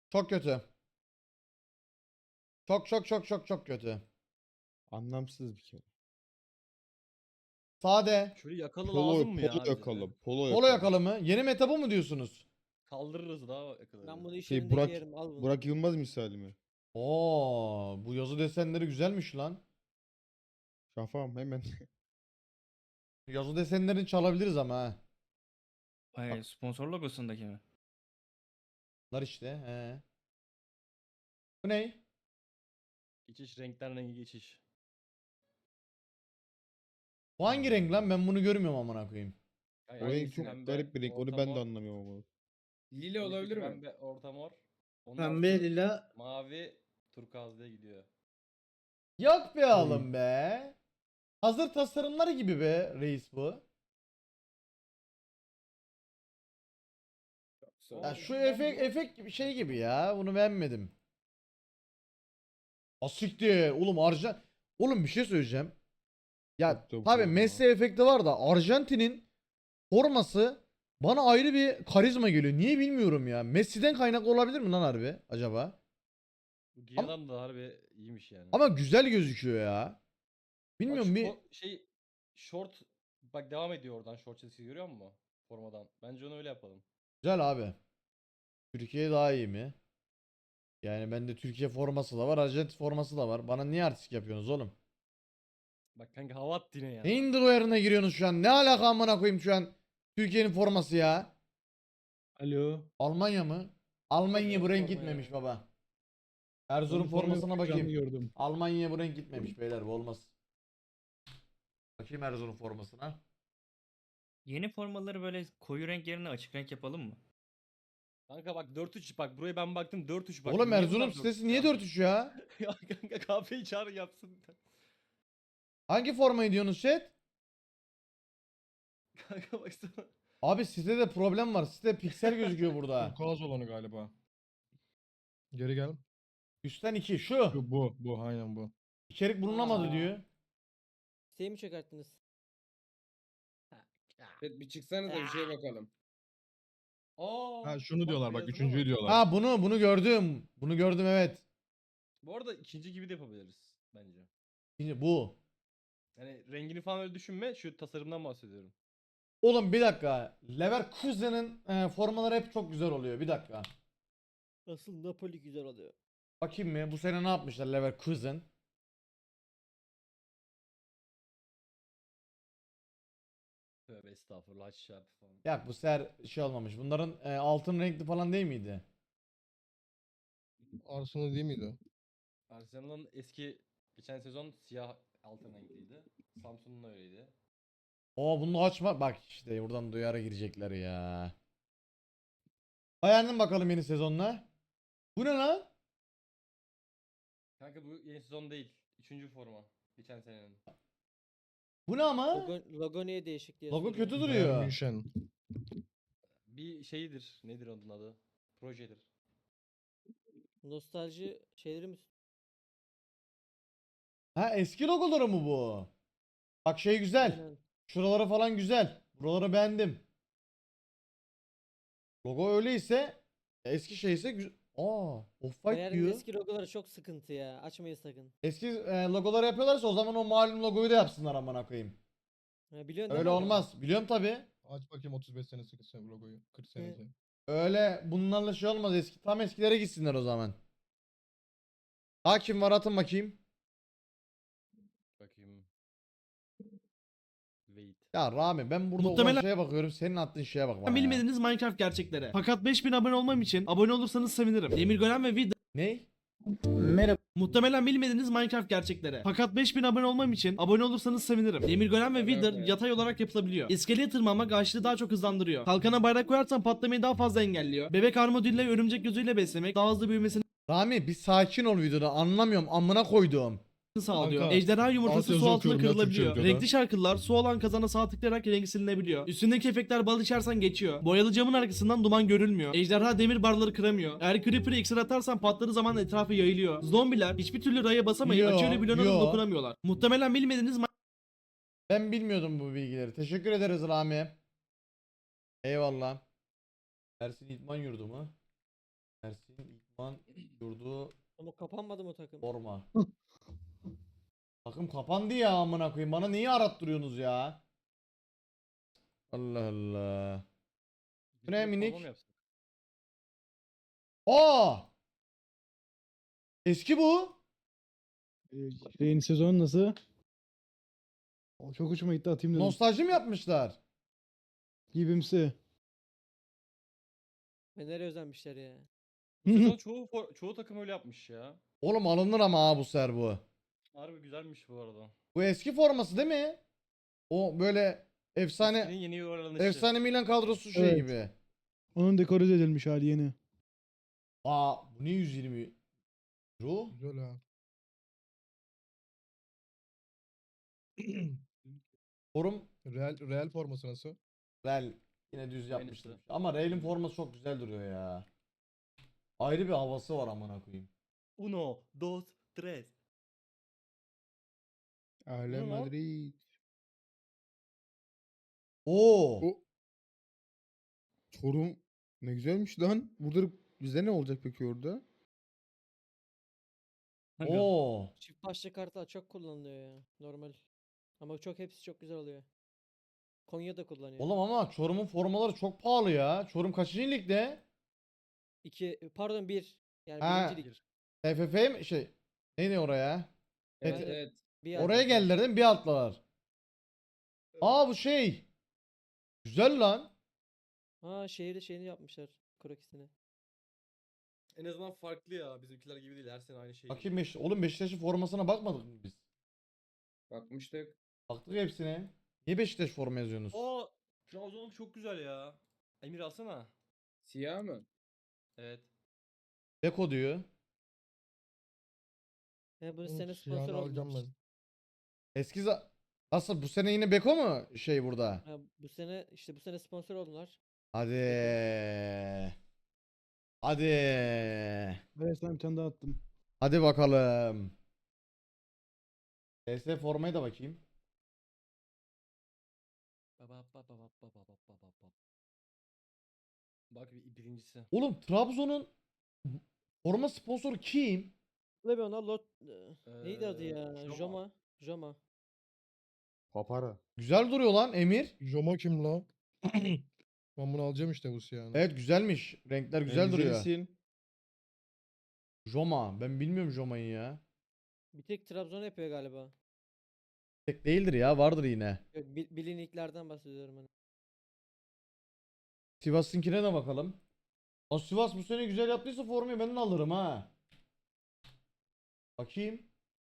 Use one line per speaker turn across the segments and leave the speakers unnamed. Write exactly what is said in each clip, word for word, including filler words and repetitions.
Çok kötü. Çok çok çok çok çok kötü.
Anlamsız bir kere.
Sade.
Şöyle yakalı
Polo,
lazım mı
polo
ya bize?
yakalı. Polo
Polo
yakalı.
yakalı mı? Yeni meta bu mu diyorsunuz?
Kaldırırız daha yakaları.
Ben bunu iş
Şey
yerinde
Burak,
giyerim, al bunu.
Burak Yılmaz misali mi?
Oo, bu yazı desenleri güzelmiş lan.
Şafağım hemen.
Yazı desenlerini çalabiliriz ama ha.
Ay, sponsor logosundaki mi?
Bunlar işte. He. Bu ne?
Geçiş renkten rengi geçiş.
Bu hangi renk lan? Ben bunu görmüyorum amına koyayım.
Yani
O renk
hangisi
çok
pembe,
garip bir renk. Onu
orta
ben de
mor,
anlamıyorum ama.
Lila
birisi
olabilir mi?
Pembe, orta mor. Onun
Pembe,
altı
lila.
mavi, turkuaz diye gidiyor.
Yok be oğlum be. Hazır tasarımları gibi be reis bu. Ya şu efekt efekt gibi şey gibi ya. Bunu beğenmedim. Asiktir. Oğlum Arjan... Oğlum bir şey söyleyeceğim. Ya
Çok da
tabii
forma.
Messi efekti var da Arjantin'in forması bana ayrı bir karizma geliyor. Niye bilmiyorum ya. Messi'den kaynaklı olabilir mi lan harbi acaba?
Bu giyen adam da harbi iyiymiş yani.
Ama güzel gözüküyor ya.
Bak
Bilmiyorum
şu
bir
fo- şey short bak devam ediyor oradan short çizgisi görüyor musun? Formadan. Bence onu öyle yapalım.
güzel abi. Türkiye daha iyi mi? Yani bende Türkiye forması da var, Arjantin forması da var. Bana niye artistik yapıyorsunuz oğlum?
Bak kanka hava attı yine ya.
Neyin yerine giriyorsunuz şu an? Ne alaka amına koyayım şu an? Türkiye'nin forması ya.
Alo.
Almanya mı? Almanya
Tabii,
bu renk
forma
gitmemiş
ya.
baba. Erzurum formasına bakayım.
Gördüm.
Almanya'ya bu renk gitmemiş beyler, bu olmaz. Bakayım Erzurum formasına.
Yeni formaları böyle koyu renk yerine açık renk yapalım mı?
Kanka bak dört üç bak buraya ben baktım dört üç bak.
Oğlum
Niye
Erzurum
bunlar
sitesi
dört üç
niye
ya?
dört üç ya?
Ya kanka kahveyi çağır yapsın.
Hangi formayı diyorsunuz chat?
Kanka baksana.
Abi sitede problem var. Site piksel gözüküyor burada.
Turkuaz olanı galiba. Geri gel.
Üstten iki şu.
Şu, bu. Bu. Aynen bu.
İçerik bulunamadı
Aa.
diyor.
Siteyi mi çökerttiniz?
Evet, bir çıksanıza bir şeye bakalım.
Aa,
Ha şunu
bak
diyorlar bak.
beyazına
Üçüncüyü
bak.
diyorlar.
Ha bunu bunu gördüm. Bunu gördüm evet.
Bu arada ikinci gibi de yapabiliriz bence.
Şimdi bu.
Yani rengini falan öyle düşünme. Şu tasarımdan bahsediyorum.
Oğlum bir dakika. Leverkusen'in e, formaları hep çok güzel oluyor. Bir dakika.
Asıl Napoli güzel oluyor.
Bakayım mı? Bu sene ne yapmışlar Leverkusen?
Tövbe estağfurullah aşağı falan.
Ya bu sefer şey olmamış. Bunların e, altın renkli falan değil miydi?
Arsenal değil miydi?
Arsenal'ın eski geçen sezon siyah altın renkliydi. Samsun'un da öyleydi.
Oo bunu açma. Bak işte buradan duyara girecekler ya. Beğendin bakalım yeni sezonla. Bu ne lan?
Kanka bu yeni sezon değil. Üçüncü forma. Geçen senenin.
Bu ne ama?
Logo, logo niye değişik diye
Logo
soruyor.
kötü
Bayern
duruyor.
München.
Bir şeyidir. Nedir onun adı? Projedir.
Nostalji şeyleri mi?
Ha eski logoları mı bu? Bak şey güzel.
Aynen.
Şuraları falan güzel. Buraları beğendim. Logo öyleyse eski şeyse güzel. Aa, Off-White
Bayern'in
diyor.
eski logoları çok sıkıntı ya. Açmayın sakın.
Eski e, logoları yapıyorlarsa o zaman o malum logoyu da yapsınlar amına koyayım.
Ha, biliyorsun değil
Öyle
mi onu?
olmaz. Biliyorum tabi.
Aç bakayım otuz beş senesi sen logoyu. kırk senesi.
Öyle bunlarla şey olmaz eski. Tam eskilere gitsinler o zaman. Hakim var atın bakayım.
Bakayım. Wait.
Ya Rami ben burada
Muhtemelen-
olan şeye bakıyorum. Senin attığın şeye bak bana ya.
Bilmediğiniz Minecraft gerçekleri. Fakat beş bin abone olmam için abone olursanız sevinirim. Demirgören ve Wither.
Ne?
Merhaba. Muhtemelen bilmediğiniz Minecraft gerçekleri. Fakat beş bin abone olmam için abone olursanız sevinirim. Demirgören ve Wither
Merhaba.
yatay olarak yapılabiliyor. İskeleye tırmanmak ağaçlığı daha çok hızlandırıyor. Kalkana bayrak koyarsan patlamayı daha fazla engelliyor. Bebek armadillo ve örümcek gözüyle beslemek daha hızlı büyümesini
Rami bir sakin ol videoda anlamıyorum amına koyduğum.
sağlıyor.
Kanka,
Ejderha yumurtası
altyazı
su altında
okuyorum ya
kırılabiliyor.
Türkçe videoda.
Renkli şarkılar su olan kazana sağ tıklayarak rengi silinebiliyor. Üstündeki efektler bal içersen geçiyor. Boyalı camın arkasından duman görülmüyor. Ejderha demir barları kıramıyor. Eğer creeper'ı iksir atarsan patladığı zaman etrafı yayılıyor. Zombiler hiçbir türlü raya basamayıp
Yo,
açıyla bloğuna da
yo.
dokunamıyorlar. Muhtemelen bilmediğiniz
Ben bilmiyordum bu bilgileri. Teşekkür ederiz Rami. Eyvallah. Ersin İdman Yurdu mu? Ersin İdman Şu an yurdu
Ama kapanmadı mı o takım?
forma. Takım kapandı ya amına koyayım. Bana niye arattırıyorsunuz ya? Allah Allah.
Biz
Ne
bir forma
minik?
mı yapsak?
Aa! Eski bu.
Ee, Yeni sezon nasıl? O çok hoşuma gitti, atayım dedim.
Nostalji mi yapmışlar?
Gibimsi.
Fener'e özenmişler ya.
Bu sezon çoğu for- çoğu takım öyle yapmış ya.
Oğlum alınır ama ha bu ser bu.
Harbi güzelmiş bu arada.
Bu eski forması değil mi? O böyle
Eskinin
efsane
yeni yuvarlanışı.
efsane Milan kadrosu şey
Evet.
gibi.
Onun dekorize edilmiş hali yeni.
Aa bu ne yüz yirmi euro?
Güzel ha.
Forum
Real, Real forması nasıl?
Real yine düz yapmıştır.
Aynısı.
Ama Real'in forması çok güzel duruyor ya. Ayrı bir havası var amına koyayım.
Uno, dos, tres.
Aile
Bu ne lan?
Madrid.
Oo.
O Çorum ne güzelmiş lan. Burada bizde ne olacak peki orada?
Oo.
Çift başlı kartlar çok kullanılıyor ya. Normal. Ama çok hepsi çok güzel oluyor. Konya'da kullanıyor.
Oğlum ama Çorum'un formaları çok pahalı ya. Çorum kaçıncı ligde?
İki, pardon bir. Yani
Ha.
birinci lig.
T F F mi şey? Neydi oraya?
Evet
Evet.
evet.
Bir
Oraya
yerde.
geldiler değil mi? Bir altlalar. Aa bu şey. Güzel lan.
Ha şehri şeyini yapmışlar. Krokisini.
En azından farklı ya. Bizimkiler gibi değil. Her sene aynı şey.
Bakayım Beş oğlum Beşiktaş'ın formasına bakmadık mı biz?
Bakmıştık.
Baktık hepsine. Niye Beşiktaş forma yazıyorsunuz?
Aa, Trabzon'un çok güzel ya. Emir alsana.
Siyah mı?
Evet.
Beko diyor.
He bu
Oğlum,
sene
siyahını
sponsor
alacağım
oldular.
ben.
Eski za- Nasıl bu sene yine Beko mu şey burada?
Ha, bu sene işte bu sene sponsor oldular.
Hadi. Hadi.
Evet, sana bir tane daha attım.
Hadi bakalım. P S formaya da bakayım.
Baba baba baba baba baba baba. Bak bir birincisi.
Oğlum Trabzon'un forma sponsoru kim?
Ve ona lot neydi adı
Ee,
ya?
Joma.
Joma. Joma.
Papara.
Güzel duruyor lan Emir.
Joma kim la? Ben bunu alacağım işte bu siyahını.
Evet güzelmiş. Renkler güzel duruyor.
Güzelsin.
Joma. Ben bilmiyorum Joma'yı ya.
Bir tek Trabzon yapıyor galiba.
Tek değildir ya. Vardır yine.
Yok, bil- bilinliklerden bahsediyorum hani.
Sivas'ınkine de bakalım. O Sivas bu sene güzel yaptıysa formayı ben de alırım ha. Bakayım.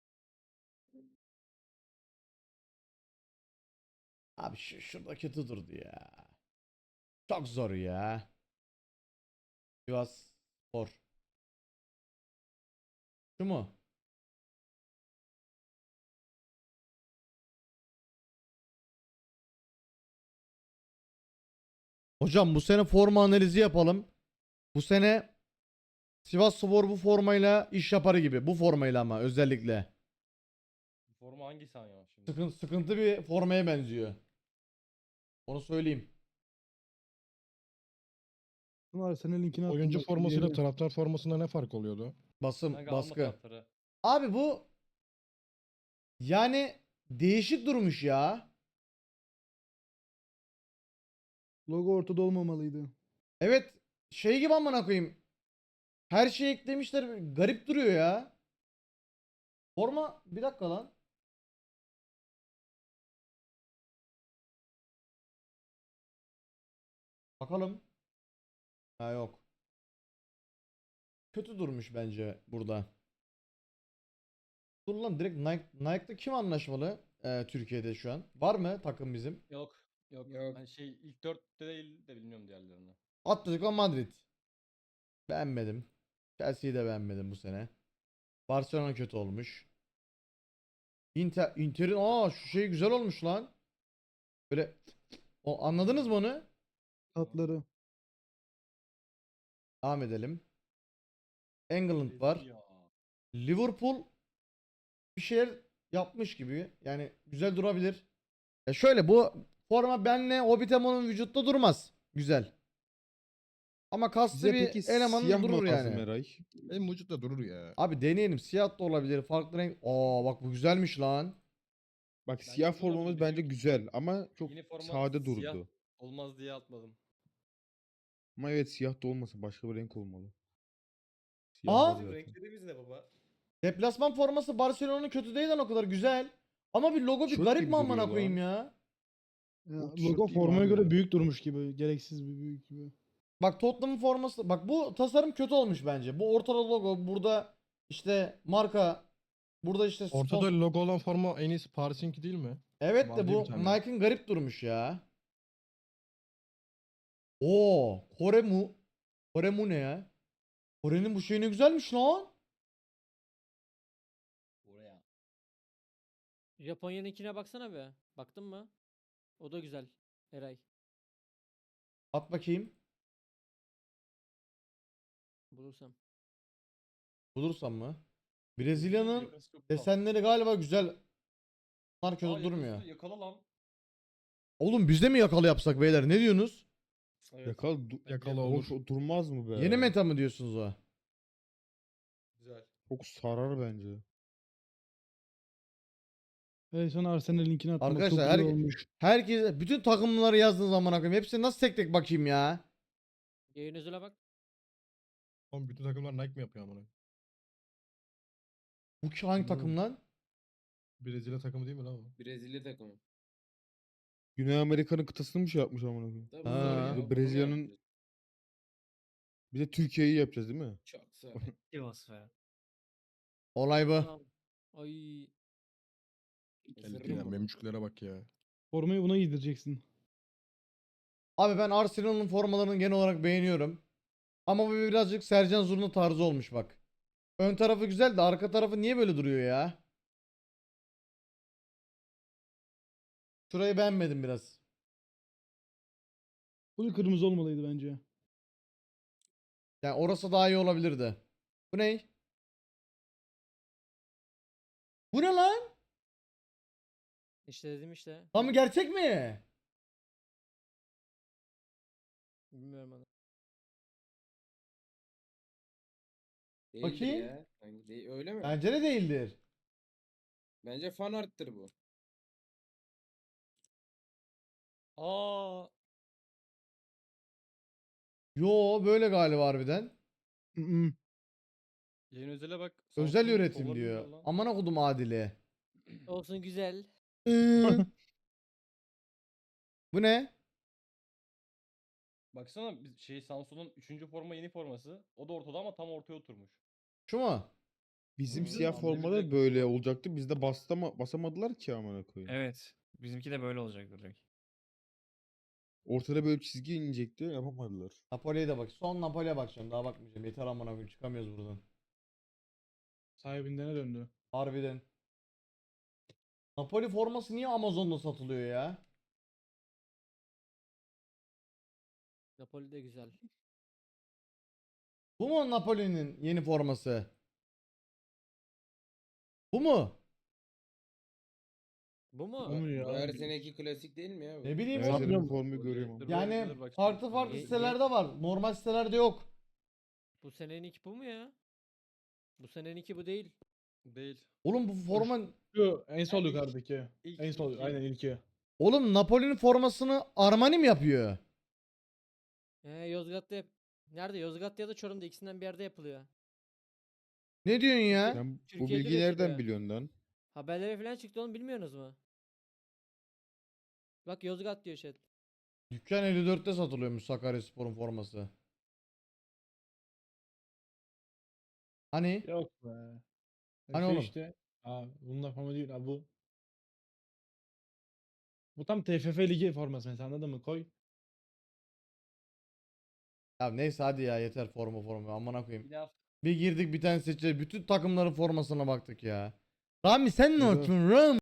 Abi şu şurada kötü durdu ya. Çok zor ya. Sivas Spor. Şu mu? Hocam bu sene forma analizi yapalım. Bu sene Sivas Spor bu formayla iş yapar gibi. Bu formayla ama özellikle.
Forma hangisi ya şimdi?
Sıkıntı, sıkıntı bir formaya benziyor. Onu söyleyeyim.
Bunlar senin linkini attım.
Oyuncu
bak,
formasıyla
diğeri.
taraftar formasında ne fark oluyordu?
Basım,
Kanka alma
baskı.
taraftarı.
Abi bu yani değişik durmuş ya.
Logo ortada olmamalıydı.
Evet şey gibi amına koyayım. Her şeyi eklemişler. Garip duruyor ya. Forma bir dakika lan. Bakalım. Ha yok. Kötü durmuş bence burada. Dur lan direkt Nike, Nike'da kim anlaşmalı Ee, Türkiye'de şu an? Var mı takım bizim?
Yok. Yok.
Yok.
Hani şey ilk dörtte değil de bilmiyorum diğerlerini.
Atletico Madrid. Beğenmedim. Chelsea'yi de beğenmedim bu sene. Barcelona kötü olmuş. Inter, Inter'in aa şu şey güzel olmuş lan. Böyle o anladınız mı onu?
Tatları.
Devam edelim. England var.
Ya.
Liverpool bir şeyler yapmış gibi. Yani güzel durabilir. Ya şöyle bu forma benle Hobbitemo'nun vücutta durmaz. Güzel. Ama kaslı
Bize
bir
peki
elemanın
siyah
durur
mı lazım
yani.
Eray?
Benim vücutta durur ya.
Abi deneyelim. Siyah da olabilir. Farklı renk. Aa bak bu güzelmiş lan.
Bak
Bence
siyah
güzel oldu.
formamız
Bizim
bence güzel ama çok
Yeni forma
sade
siyah
durdu.
olmaz diye atmadım.
Ama evet siyah da olmasın. Başka bir renk olmalı. Siyah
Aa!
var
Bizim
zaten.
renklerimiz ne baba?
Deplasman forması Barcelona'nın kötü değil lan o kadar güzel. Ama bir logo bir
Tişört
garip
gibi
mi amına
duruyor
koyayım
lan.
ya?
Ya,
O tişört
logo
değil mi
formaya
abi
göre
ya?
büyük durmuş gibi. Gereksiz bir büyük gibi.
Bak Tottenham'ın forması. Bak bu tasarım kötü olmuş bence. Bu ortada logo. Burada işte marka. Burada işte
Ortada
sponsor-
logo olan forma en iyisi Paris'inki değil mi?
Evet
Var
de
diye
bu
bir tane.
Nike'ın garip durmuş ya. Oo, Kore mu? Kore mu ne ya? Kore'nin bu şeyi ne güzelmiş lan.
Oraya.
Japonya'nınkine baksana be. Baktın mı? O da güzel. Eray.
At bakayım.
Bulursam.
Bulursam mı? Brezilya'nın
Yakası çok tatlı.
desenleri galiba güzel. Bunlar kötü
Aa, yakası
durmuyor.
Yakala lan.
Oğlum biz de mi yakalı yapsak beyler? Ne diyorsunuz?
Evet.
Yakal, du-
Yakala
Oğlum,
olur.
o durmaz mı be?
Yeni meta mı diyorsunuz o?
Güzel.
Çok sarar bence.
Evet sonra Arsenal linkini attım. Bak, çok
Arkadaşlar
güzel
her,
olmuş.
herkes bütün takımları yazdığınız zaman koyayım. Hepsini nasıl tek tek bakayım ya?
Yayın özele bak.
Oğlum bütün takımlar Nike mi yapıyor amına?
Bu ki hangi takım lan?
Brezilya takımı değil mi lan o?
Brezilya takımı.
Güney Amerika'nın kıtasını mı şey yapmış amına koyayım?
Tabii
Ha.
zor ya.
Bir de
bunu mu
Brezilya'nın-
yapacağız?
Bir de Türkiye'yi yapacağız değil mi?
Çok sağ.
Sivas be.
Olay bu.
Tamam. Ay.
Isırırım
Ya
bunu.
memçüklere bak ya.
Formayı buna giydireceksin.
Abi ben Arsenal'ın formalarını genel olarak beğeniyorum. Ama bu birazcık Sercan Zurna tarzı olmuş bak. Ön tarafı güzel de arka tarafı niye böyle duruyor ya? Şurayı beğenmedim biraz.
Bu da kırmızı olmalıydı bence.
Yani orası daha iyi olabilirdi. Bu ne? Bu ne lan?
İşte dedim işte.
Tam mı gerçek mi?
Bilmiyorum onu.
Değildir
Bakayım.
ya. Sanki değil- öyle mi?
Bence de değildir.
Bence fan arttır bu.
Aa.
Yo böyle galiba harbiden.
Hı hı.
Yayın özele bak.
Özel
Samsun'un
üretim
kolları
diyor.
güzel lan.
Aman okudum Adile.
Olsun güzel.
Iıı. Bu ne?
Baksana biz şey Samsun'un üçüncü forma yeni forması. O da ortada ama tam ortaya oturmuş.
Şu mu?
Bizim
Hı,
siyah
Andrei
formada
Jackson
böyle
var.
olacaktı. Bizde bastama, basamadılar ki amına koyayım.
Evet. Bizimki de böyle olacak direkt.
Ortada böyle çizgi inecekti. Yapamadılar.
Napoli'ye de bak. Son Napoli'ye bakacağım. Daha bakmayacağım. Yeter amına koyayım. Çıkamıyoruz buradan.
Sahibinden döndü.
Harbiden. Napoli forması niye Amazon'da satılıyor ya?
Napoli de güzel.
Bu mu Napoli'nin yeni forması? Bu mu?
Bu mu?
O mu ya?
Bu her seneki klasik değil mi ya bu?
Ne bileyim
Her
oğlum.
sene bu
Sanmıyorum.
formayı
O
görüyorum
direktör
ama.
böyle
Yani
gelir bak
farklı
şimdi.
farklı
Ye- ye-
sitelerde var. Normal sitelerde yok.
Bu seneninki bu mu ya? Bu seneninki bu değil.
Değil.
Oğlum bu forma...
Şu en sol
Yani ilk-
yukarıdaki.
ilk-
En sol
ilk-
aynen ilki.
Oğlum Napoli'nin formasını Armani mi yapıyor?
He Yozgat'ta yap. Nerede? Yozgat'ta ya da Çorum'da ikisinden bir yerde yapılıyor.
Ne diyorsun ya?
Sen bu
Türkiye'de
bilgiyi
üretiliyor.
nereden biliyorsun lan?
Haberlere falan çıktı onu bilmiyorsunuz mu? Bak Yozgat diyor chat.
Dükkan elli dörtte satılıyormuş Sakaryaspor'un forması. Hani?
Yok be.
Hani
Şey
oğlum?
işte. Aa, bunlar forma değil. Aa, bu. Bu tam T F F ligi forması mesela anladın mı? Koy.
Ya neyse hadi ya yeter forma forma amına koyayım.
Bir daha
Bir girdik bir tane seçeceğiz. Bütün takımların formasına baktık ya. Rami sen ne
Evet.
yapıyorsun Ram?